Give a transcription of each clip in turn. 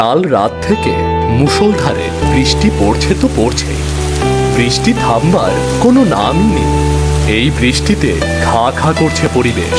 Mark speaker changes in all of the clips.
Speaker 1: কাল রাত থেকে মুষলধারে বৃষ্টি পড়ছে তো পড়ছেই। বৃষ্টি থামবার কোনো নামই নেই। এই বৃষ্টিতে খা খা করছে পরিবেশ।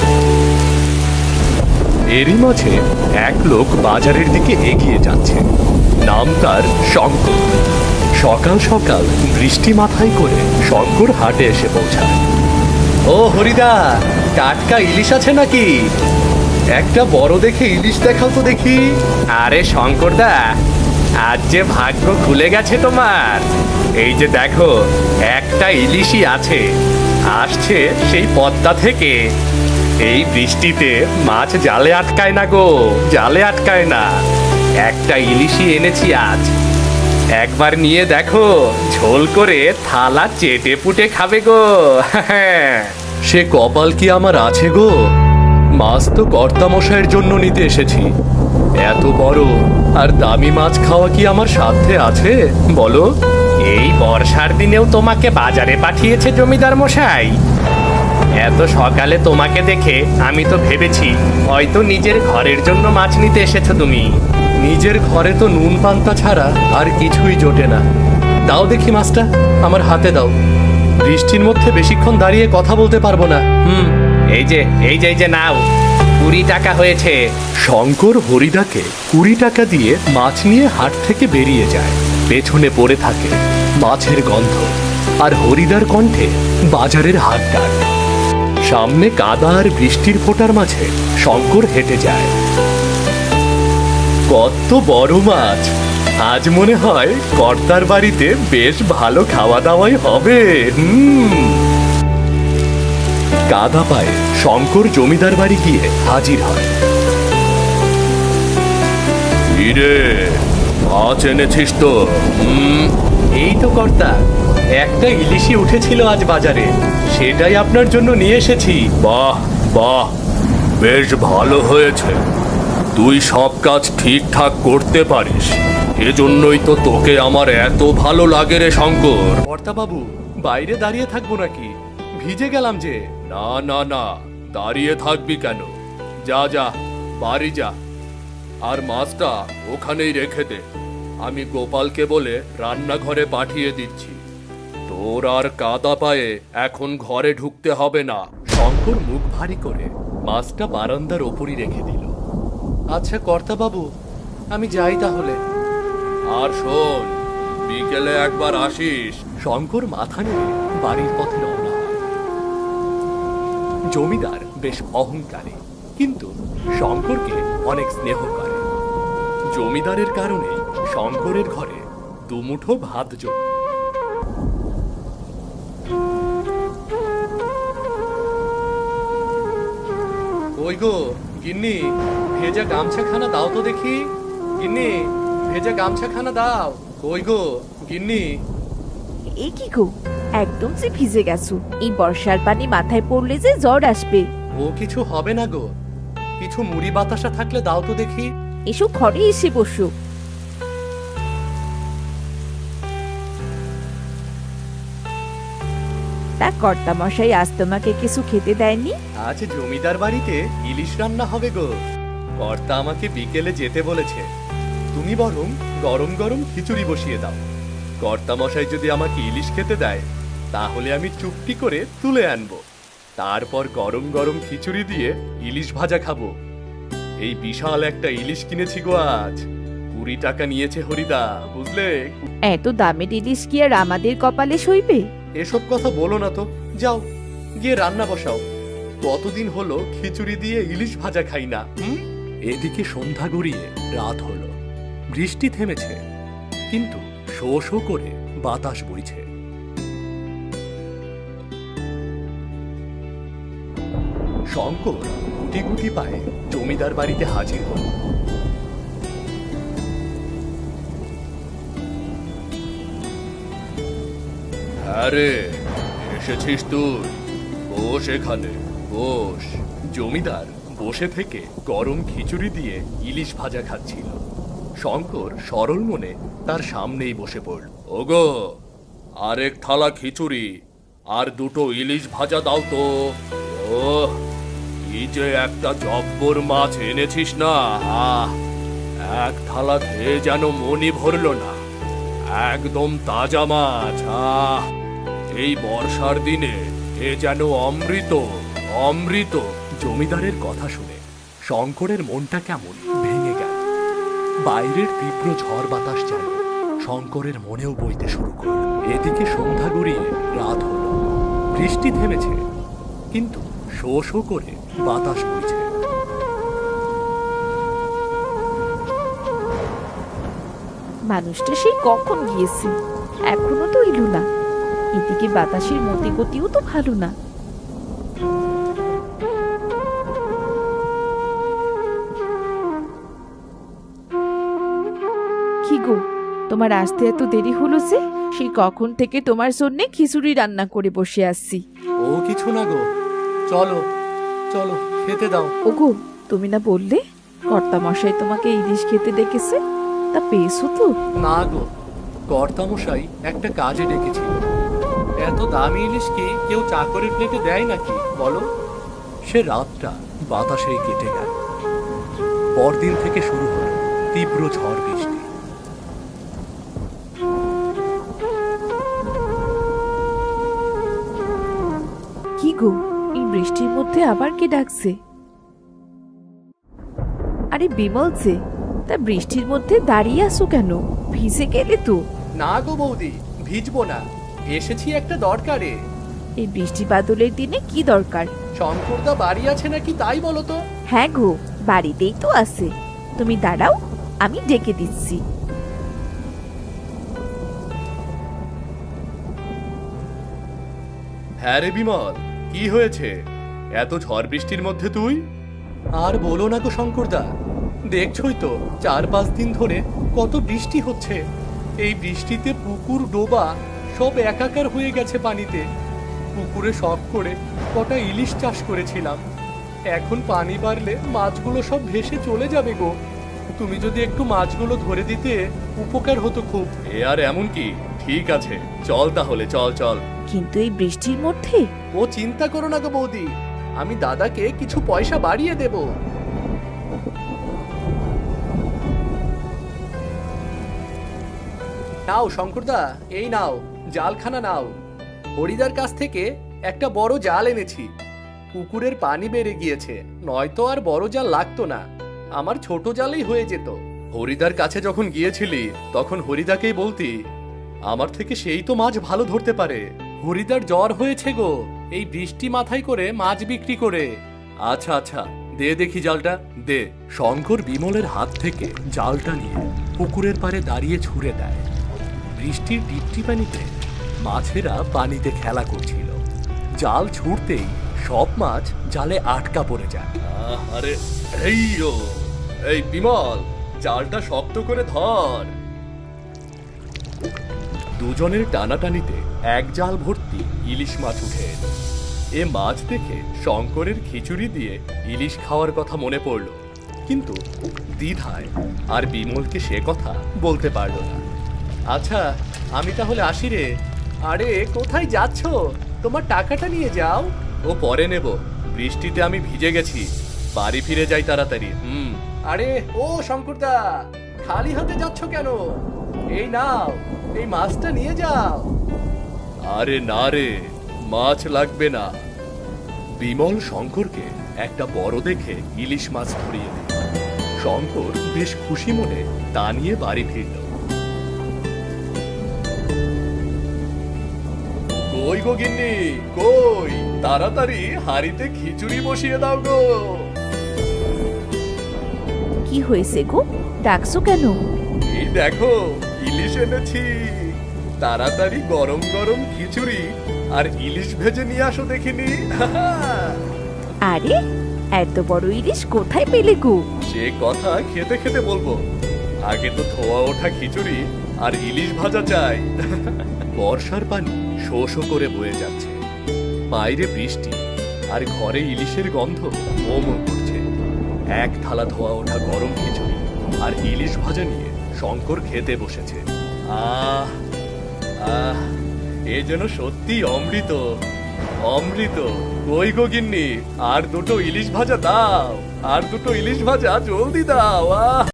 Speaker 1: এরই মাঝে এক লোক বাজারের দিকে এগিয়ে যাচ্ছে। নাম তার শঙ্কর। সকাল সকাল বৃষ্টি মাথায় করে শঙ্কর হাটে এসে পৌঁছায়। ও হরিদা, টাটকা ইলিশ আছে নাকি? একটা বড় দেখে ইলিশ দেখাও তো দেখি।
Speaker 2: আরে শঙ্করদা, আজ যে ভাগ্য খুলে গেছে তোমার। এই যে দেখো, একটা ইলিশই আছে, আসছে সেই পদ্মা থেকে। এই বৃষ্টিতে মাছ জালে আটকায় না গো, জালে আটকায় না। একটা ইলিশই এনেছি আজ, একবার নিয়ে দেখো, ঝোল করে থালা চেটে পুটে খাবে গো।
Speaker 1: সে কপাল কি আমার আছে গো? মাছ তো কর্তামশাইয়ের জন্য নিতে এসেছি। এত বড় আর দামি মাছ খাওয়া কি আমার সাধ্যে আছে বলো?
Speaker 2: এই বর্ষার দিনেও তোমাকে বাজারে পাঠিয়েছে জমিদার মশাই। এত সকালে তোমাকে দেখে আমি তো ভেবেছি হয়তো নিজের ঘরের জন্য মাছ নিতে এসেছো তুমি।
Speaker 1: নিজের ঘরে তো নুন পান্তা ছাড়া আর কিছুই জোটে না। দাও দেখি মাছটা, আমার হাতে দাও। বৃষ্টির মধ্যে বেশিক্ষণ দাঁড়িয়ে কথা বলতে পারবো না।
Speaker 2: এই যে নাও, 20 টাকা হয়েছে।
Speaker 1: শঙ্কর হরিদাকে 20 টাকা দিয়ে মাছ নিয়ে হাট থেকে বেরিয়ে যায়। পেছনে পড়ে থাকে মাছের গন্ধ আর হরিদার কণ্ঠে বাজারের হাট ডাক। সামনে কাদা আর বৃষ্টির ফোঁটার মাঝে শঙ্কর হেঁটে যায়। কত বড় মাছ! আজ মনে হয় কর্তার বাড়িতে বেশ ভালো খাওয়া দাওয়াই হবে। কাদা পায়ে শঙ্কর জমিদার বাড়ি গিয়ে হাজির হয়। কিরে, মাছ এনেছিস তো? এই তো কর্তা, একটা ইলিশই উঠেছিল আজ বাজারে, সেটাই আপনার জন্য নিয়ে এসেছি। বাহ বাহ, বেশ ভালো হয়েছে। তুই সব কাজ ঠিকঠাক করতে পারিস, এজন্যই তো তোকে আমার এত ভালো লাগে রে শঙ্কর। কর্তা বাবু, বাইরে দাঁড়িয়ে থাকবো নাকি? ভিজে গেলাম যে। না না না, দাঁড়িয়ে থাকবি কেন? যা যা, বাড়ি যা। আর মাছটা ওখানেই রেখে দে, আমি গোপালকে বলে রান্নাঘরে পাঠিয়ে দিচ্ছি। তোর আর কাদা পায়ে এখন ঘরে ঢুকতে হবে না। শঙ্কর মুখ ভারী করে মাছটা বারান্দার ওপরই রেখে দিল। আচ্ছা কর্তা বাবু, আমি যাই তাহলে। আর শোন, বিকেলে একবার আসিস। শঙ্কর মাথা নেড়ে বাড়ির পথে রওনা হয়। জমিদার বেশ অহংকারী, কিন্তু শঙ্করকে অনেক স্নেহ করে। জমিদারের কারণে শঙ্করের ঘরে দুমুঠো ভাত জোটে। ওই গো গিন্নি, ভেজা গামছাখানা দাও তো দেখি। গিন্নি, ভেজা গামছাখানা দাও। ওই গো গিন্নি।
Speaker 3: এ কি গো, একদম যে ভিজে গেছো। এই বর্ষার পানি মাথায় পড়লে যে জ্বর আসবে।
Speaker 1: ও কিছু হবে না গো, কিছু মুড়ি বাতাসা থাকলে দাও তো দেখি।
Speaker 3: এসো, ঘরে এসে বসো। তা কর্তা মশাই আজ তোমাকে কিছু খেতে দেয়নি?
Speaker 1: আজ জমিদার বাড়িতে ইলিশ রান্না হবে গো। কর্তা আমাকে বিকেলে যেতে বলেছে। তুমি বরং গরম গরম খিচুড়ি বসিয়ে দাও। কর্তা মশাই যদি আমাকে ইলিশ খেতে দেয়, তাহলে আমি চুপটি করে তুলে আনবো। তারপর গরম গরম খিচুড়ি দিয়ে ইলিশ ভাজা খাবো। এই বিশাল একটা ইলিশ কিনেছি গো আজ। 20 টাকা নিয়েছে হরিদা, বুঝলে?
Speaker 3: এত দামের ইলিশ কি আর আমাদের কপালে সইবে?
Speaker 1: এসব কথা বলো না তো, যাও গিয়ে রান্না বসাও। কতদিন হলো খিচুড়ি দিয়ে ইলিশ ভাজা খাই না। এদিকে সন্ধ্যা গড়িয়ে রাত হলো। বৃষ্টি থেমেছে, কিন্তু শো শো করে বাতাস বইছে। শঙ্কর গুটি গুটি পায়ে জমিদার বাড়িতে হাজির হল। হ্যাঁ রে, এসেছিস তুই? বস এখানে, বস। জমিদার বসে থেকে গরম খিচুড়ি দিয়ে ইলিশ ভাজা খাচ্ছিল। শঙ্কর সরল মনে তার সামনেই বসে পড়ল। ওগো, আরেক থালা খিচুড়ি আর 2টো ইলিশ ভাজা দাও তো। ও, কি যে একটা জব্বর মাছ এনেছিস না। এক থালা খেয়ে যেন মনই ভরল না। একদম তাজা মাছ। এই বর্ষার দিনে এ যেন অমৃত, অমৃত। জমিদারের কথা শুনে শঙ্করের মনটা কেমন ভেঙে গেল। বাইরের তীব্র ঝড় বাতাস যেন শঙ্করের মনেও বইতে শুরু করল। এদিকে সন্ধ্যা গড়িয়ে রাত হলো। বৃষ্টি থেমেছে, কিন্তু শো শো করে বাতাস বইছে।
Speaker 3: মানুষটা সেই কখন গিয়েছে, এখনো তো এলো না। এদিকে বাতাসের মতি গতিও তো ভালো না। কি গো, তোমার আসতে এত দেরি হলো যে? সেই কখন থেকে তোমার জন্যে খিচুড়ি রান্না করে বসে আসছি।
Speaker 1: ও কিছু না গো, চলো চলো খেতে দাও।
Speaker 3: ওগো, তুমি না বললে কর্তামশাই তোমাকে ইলিশ খেতে ডেকেছে? তা পেয়েছো তো?
Speaker 1: না গো, কর্তামশাই একটা কাজে ডেকেছিল। এত দামি ইলিশ কি কেউ চাকরের প্লেটে দেয় নাকি বলো? সে রাতটা বাতাসেই কেটে গেল। পরদিন থেকে শুরু হলো তীব্র ঝড় বৃষ্টি।
Speaker 3: কি গো, এই বৃষ্টির মধ্যে আবার কে ডাকছে? আরে বিমল যে, তা বৃষ্টির মধ্যে দাঁড়িয়ে আসো কেন? ভিজে গেলে তো।
Speaker 1: না গো বৌদি, ভিজবো না, এসেছি একটা দরকারে।
Speaker 3: এই বৃষ্টি বাদলের দিনে কি দরকার?
Speaker 1: শঙ্করদা বাড়ি আছে নাকি তাই বলো তো।
Speaker 3: হ্যাঁ গো, বাড়িতেই তো আছে। তুমি দাঁড়াও, আমি ডেকে দিচ্ছি।
Speaker 1: হ্যাঁ রে বিমল, কি হয়েছে? এত ঝড় বৃষ্টির মধ্যে তুই? আর বলো না গো শঙ্করদা, দেখছই তো 4-5 দিন ধরে কত বৃষ্টি হচ্ছে। এই বৃষ্টিতে পুকুর ডোবা সব একাকার হয়ে গেছে পানিতে। পুকুরে শখ করে কটা ইলিশ চাষ করেছিলাম, এখন পানি বাড়লে মাছগুলো সব ভেসে চলে যাবে গো। তুমি যদি একটু মাছগুলো ধরে দিতে উপকার হতো খুব। এ আর এমন কি, ঠিক আছে চল তাহলে, চল চল।
Speaker 3: কিন্তু এই বৃষ্টির মধ্যে?
Speaker 1: ও চিন্তা করো না গো বৌদি, আমি দাদাকে কিছু পয়সা বাড়িয়ে দেব। নাও শঙ্করদা, এই নাও জালখানা নাও। হরিদার কাছ থেকে একটা বড় জাল এনেছি। পুকুরের পানি বেড়ে গিয়েছে, নয়তো আর বড় জাল লাগতো না, আমার ছোট জালেই হয়ে যেত। হরিদার কাছে যখন গিয়েছিলি তখন হরিদাকেই বলতি, আমার থেকে সেই তো মাছ ভালো ধরতে পারে। হরিদার জ্বর হয়েছে গো এই বৃষ্টি মাথায় করে মাছ বিক্রি করে। আচ্ছা আচ্ছা, দে দেখি জালটা, দে। শঙ্কর বিমলের হাত থেকে জালটা নিয়ে পুকুরের পাড়ে দাঁড়িয়ে ছুঁড়ে দেয়। বৃষ্টির টিপটি পানিতে মাছেরা পানিতে খেলা করছিল। জাল ছুঁড়তেই সব মাছ জালে আটকা পড়ে যায়। আরে এই বিমল, জালটা শক্ত করে ধর। দুজনের টানাটানিতে এক জাল ভর্তি ইলিশ মাছ উঠে এলো। এ মাছ দেখে শঙ্করের খিচুড়ি দিয়ে ইলিশ খাওয়ার কথা মনে পড়ল, কিন্তু দ্বিধায় আর বিমলকে সে কথা বলতে পারল না। আচ্ছা, আমি তাহলে আসি রে। আরে কোথায় যাচ্ছ? তোমার টাকাটা নিয়ে যাও। ও পরে নেব, বৃষ্টিতে আমি ভিজে গেছি, বাড়ি ফিরে যাই তাড়াতাড়ি। আরে ও শঙ্করদা, খালি হাতে যাচ্ছ কেন? এই নাও, এই মাছটা নিয়ে যাও। আরে না রে, মাছ লাগবে না। বিমল শঙ্করকে একটা বড় দেখে ইলিশ মাছ ধরিয়ে দিল। শঙ্কর বেশ খুশি মনে তা নিয়ে বাড়ি ফিরল। কই গো গিন্নি, কই? তাড়াতাড়ি হাড়িতে খিচুড়ি বসিয়ে দাও গো।
Speaker 3: কি হয়েছে গো, ডাকছো কেন?
Speaker 1: এই দেখো ইলিশ এনেছি, তাড়াতাড়ি গরম গরম খিচুড়ি আর ইলিশ ভেজে নিয়ে আসো দেখিনি।
Speaker 3: আরে এত বড় ইলিশ কোথায় পেলে গো?
Speaker 1: সে কথা খেতে খেতে বলবো, আগে তো ধোয়া ওঠা খিচুড়ি আর ইলিশ ভাজা চাই। বর্ষার পানি শো শো করে বয়ে যাচ্ছে, বাইরে বৃষ্টি আর ঘরে ইলিশের গন্ধ মোমো করছে। এক থালা ধোয়া ওঠা গরম খিচুড়ি আর ইলিশ ভাজা নিয়ে শঙ্কর খেতে বসেছে। আহ আহ, এ যেন সত্যি অমৃত, অমৃত। কই গো গিন্নি, আর দুটো ইলিশ ভাজা দাও, আর দুটো ইলিশ ভাজা জলদি দাও। আহ।